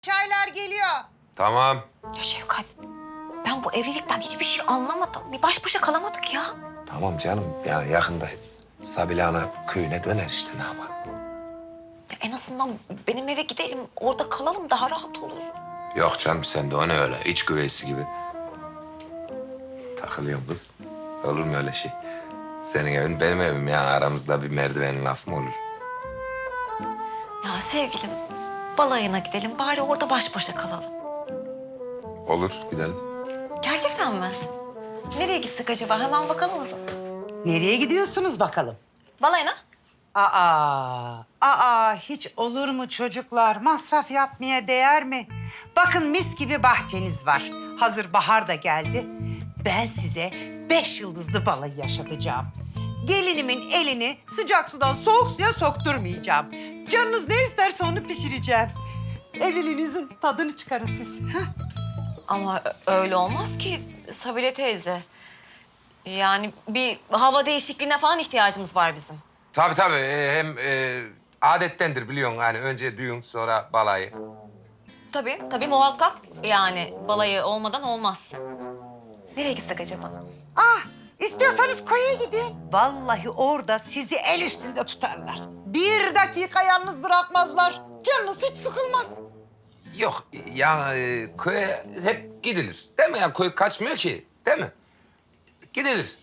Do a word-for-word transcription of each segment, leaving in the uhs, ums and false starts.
Çaylar geliyor. Tamam. Ya Şevkat, ben bu evlilikten hiçbir şey anlamadım. Bir baş başa kalamadık ya. Tamam canım. Ya yakında Sabile Ana köyüne döner işte ne yapalım. Ya en azından benim eve gidelim, orada kalalım daha rahat olur. Yok canım sen de o ne öyle iç güveysi gibi. Takılıyorum kız. Olur mu öyle şey? Senin evin benim evim ya. Aramızda bir merdivenin lafı mı olur? Ya sevgilim, balayına gidelim bari orada baş başa kalalım. Olur gidelim. Gerçekten mi? Nereye gitsek acaba? Hemen bakalım mı? Nereye gidiyorsunuz bakalım? Balayına. Aa, aa hiç olur mu çocuklar? Masraf yapmaya değer mi? Bakın mis gibi bahçeniz var. Hazır bahar da geldi. Ben size beş yıldızlı balayı yaşatacağım. Gelinimin elini sıcak sudan soğuk suya sokturmayacağım. Canınız ne isterse onu pişireceğim. Evliliğinizin tadını çıkarın siz. Heh. Ama ö- öyle olmaz ki Sabile teyze. Yani bir hava değişikliğine falan ihtiyacımız var bizim. Tabii tabii. Ee, hem e, adettendir biliyorsun. Yani önce düğün sonra balayı. Tabii, tabii muhakkak yani balayı olmadan olmaz. Nereye gitsek acaba? Ah, istiyorsanız koya gidin. Vallahi orada sizi el üstünde tutarlar. Bir dakika yalnız bırakmazlar. Canınız hiç sıkılmaz. Yok ya e, köye hep gidilir. Değil mi ya? Köy kaçmıyor ki. Değil mi? Gidilir.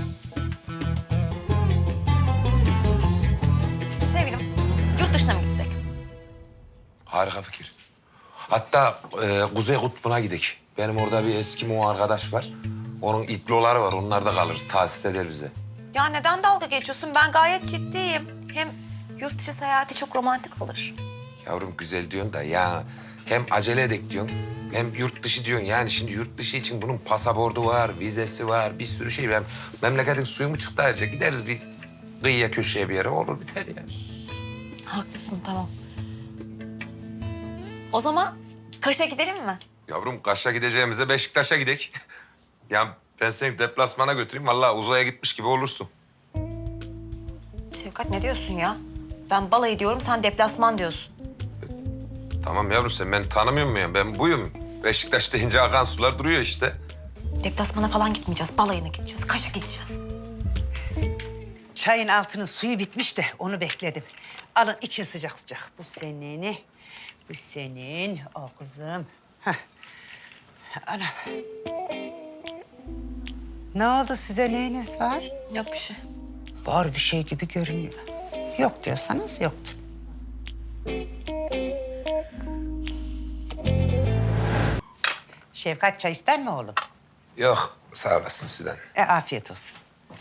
Sevgilim, yurt dışına mı gitsek? Harika fikir. Hatta e, Kuzey Kutbu'na gidelim. Benim orada bir Eskimo arkadaş var. Onun iploları var. Onlar da kalırız. Tahsis eder bize. Ya neden dalga geçiyorsun? Ben gayet ciddiyim. Hem yurt dışı seyahati çok romantik olur. Yavrum güzel diyorsun da ya hem acele edek diyorsun hem yurt dışı diyorsun. Yani şimdi yurt dışı için bunun pasaportu var, vizesi var, bir sürü şey var. Memleketin suyu mu çıktı ayrıca? Gideriz bir kıyıya köşeye bir yere olur biter ya. Haklısın, tamam. O zaman Kaş'a gidelim mi? Yavrum Kaş'a gideceğimize Beşiktaş'a gidek. Ya ben seni deplasmana götüreyim. Vallahi uzaya gitmiş gibi olursun. Şevkat ne diyorsun ya? Ben balayı diyorum, sen deplasman diyorsun. Tamam yavrum sen beni tanımıyor musun ya? Ben buyum. Beşiktaş deyince akan sular duruyor işte. Deplasmana falan gitmeyeceğiz, balayına gideceğiz. Kaş'a gideceğiz. Çayın altının suyu bitmiş de onu bekledim. Alın için sıcak sıcak. Bu senin, bu senin. O kızım. Heh. Ana. Ne oldu size, neyiniz var? Yok bir şey. Var bir şey gibi görünüyor. Yok diyorsanız yoktur. Şefkat çay ister mi oğlum? Yok sağ olasın Süden. E afiyet olsun.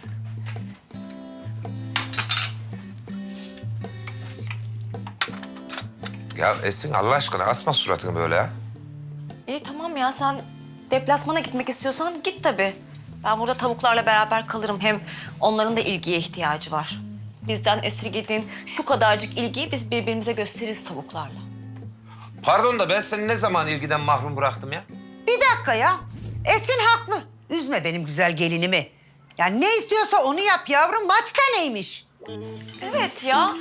Ya Esin Allah aşkına asma suratını böyle ha. İyi tamam ya, sen deplasmana gitmek istiyorsan git tabii. Ben burada tavuklarla beraber kalırım. Hem onların da ilgiye ihtiyacı var. Bizden esirgediğin şu kadarcık ilgiyi biz birbirimize gösteririz tavuklarla. Pardon da ben seni ne zaman ilgiden mahrum bıraktım ya? Bir dakika ya. Esin haklı. Üzme benim güzel gelinimi. Ya ne istiyorsa onu yap yavrum. Maçta neymiş? Evet ya.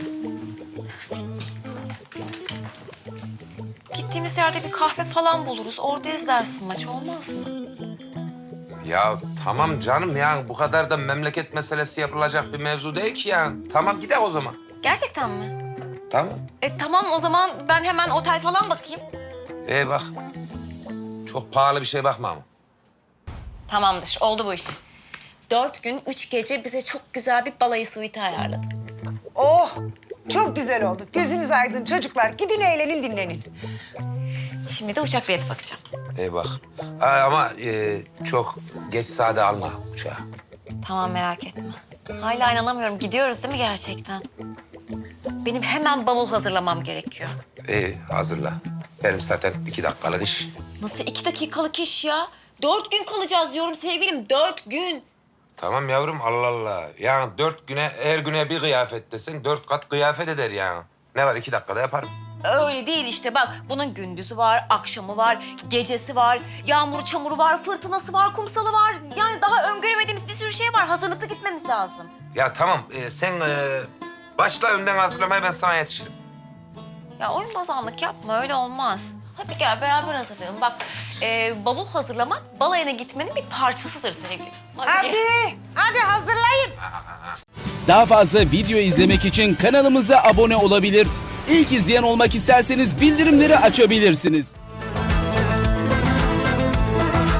Gittiğimiz yerde bir kahve falan buluruz. Orada izlersin maçı, olmaz mı? Ya tamam canım ya bu kadar da memleket meselesi yapılacak bir mevzu değil ki ya. Tamam gidelim o zaman. Gerçekten mi? Tamam. E tamam, o zaman ben hemen otel falan bakayım. Ee bak. Çok pahalı bir şey bakma ama. Tamamdır, oldu bu iş. Dört gün, üç gece bize çok güzel bir balayı suite ayarladım. Oh, çok güzel oldu. Gözünüz aydın çocuklar. Gidin eğlenin, dinlenin. Şimdi de uçak bileti bakacağım. Ee bak. Aa, ama e, çok geç saate alma uçağı. Tamam, merak etme. Hala inanamıyorum. Gidiyoruz değil mi gerçekten? Benim hemen bavul hazırlamam gerekiyor. İyi hazırla. Benim zaten iki dakikalık iş. Nasıl iki dakikalık iş ya? Dört gün kalacağız diyorum sevgilim. Dört gün. Tamam yavrum Allah Allah. Yani dört güne her güne bir kıyafet desen dört kat kıyafet eder yani. Ne var iki dakikada yaparım. Öyle değil işte bak. Bunun gündüzü var, akşamı var, gecesi var, yağmuru çamuru var, fırtınası var, kumsalı var. Yani daha öngöremediğimiz bir sürü şey var. Hazırlıklı gitmemiz lazım. Ya tamam e, sen e, başla önden hazırlamaya ben sana yetişirim. Ya oyun bozanlık yapma, öyle olmaz. Hadi gel beraber hazırlayalım. Bak, e, bavul hazırlamak balayına gitmenin bir parçasıdır sevgilim. Hadi. gel. Hadi, hadi hazırlayın. Daha fazla video izlemek için kanalımıza abone olabilir. İlk izleyen olmak isterseniz bildirimleri açabilirsiniz.